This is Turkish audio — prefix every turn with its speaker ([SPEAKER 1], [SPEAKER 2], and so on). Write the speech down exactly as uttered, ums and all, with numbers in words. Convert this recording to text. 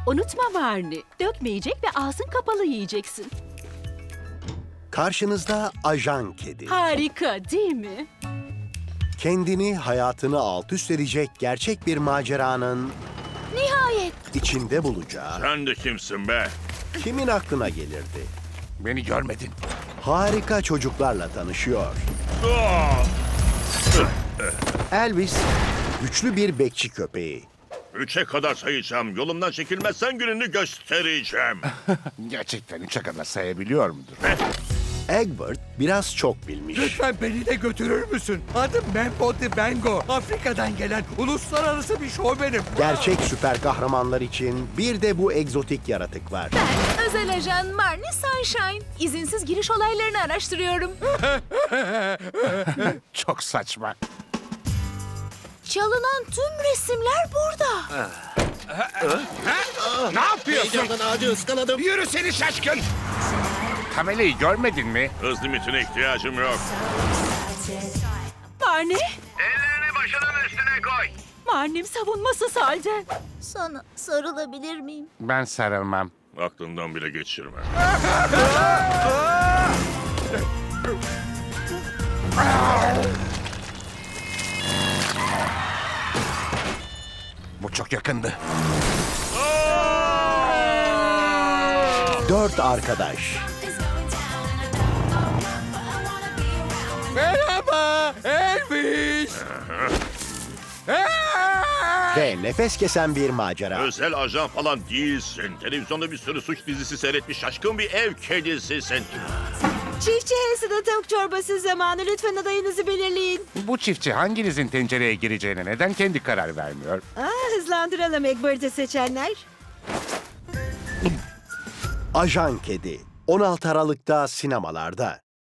[SPEAKER 1] Unutma Barney, dökmeyecek ve ağzın kapalı yiyeceksin.
[SPEAKER 2] Karşınızda ajan kedi.
[SPEAKER 1] Harika, değil mi?
[SPEAKER 2] Kendini, hayatını alt üst edecek gerçek bir maceranın
[SPEAKER 1] Nihayet.
[SPEAKER 2] içinde bulacağı
[SPEAKER 3] Sen de kimsin be?
[SPEAKER 2] kimin aklına gelirdi?
[SPEAKER 4] Beni görmedin.
[SPEAKER 2] Harika çocuklarla tanışıyor.
[SPEAKER 3] Ah!
[SPEAKER 2] Elvis, güçlü bir bekçi köpeği.
[SPEAKER 3] Üçe kadar sayacağım. Yolumdan çekilmezsen gününü göstereceğim.
[SPEAKER 4] Gerçekten üçe kadar sayabiliyor mudur?
[SPEAKER 2] Egbert biraz çok bilmiş.
[SPEAKER 5] Lütfen beni de götürür müsün? Adım Membo de Bengo. Afrika'dan gelen uluslararası bir şovmenim.
[SPEAKER 2] Gerçek süper kahramanlar için bir de bu egzotik yaratık var.
[SPEAKER 6] Ben özel ajan Marnie Sunshine. İzinsiz giriş olaylarını araştırıyorum.
[SPEAKER 4] Çok saçma.
[SPEAKER 6] Çalınan tüm resimler burada.
[SPEAKER 4] Ne yapıyorsun?
[SPEAKER 5] Yürü seni şaşkın.
[SPEAKER 4] Tabelayı görmedin mi?
[SPEAKER 3] Hız limitine ihtiyacım yok.
[SPEAKER 1] Barney,
[SPEAKER 3] Ellerini başının üstüne koy.
[SPEAKER 1] Barney'm savunmasız halde.
[SPEAKER 6] Sana sarılabilir miyim?
[SPEAKER 4] Ben sarılmam.
[SPEAKER 3] Aklından bile geçirme.
[SPEAKER 4] Bu çok yakındı.
[SPEAKER 2] Dört arkadaş
[SPEAKER 5] Merhaba Elvis.
[SPEAKER 2] ve nefes kesen bir macera.
[SPEAKER 3] Özel ajan falan değilsin. Televizyonda bir sürü suç dizisi seyretmiş şaşkın bir ev kedisisin.
[SPEAKER 1] Çiftçi Hansen'ın tavuk çorbası zamanı. Lütfen adayınızı belirleyin.
[SPEAKER 4] Bu çiftçi hanginizin tencereye gireceğine neden kendi karar vermiyor?
[SPEAKER 1] Aa, hızlandıralım Egbert'i seçenler.
[SPEAKER 2] Ajan Kedi on altı Aralık'ta sinemalarda.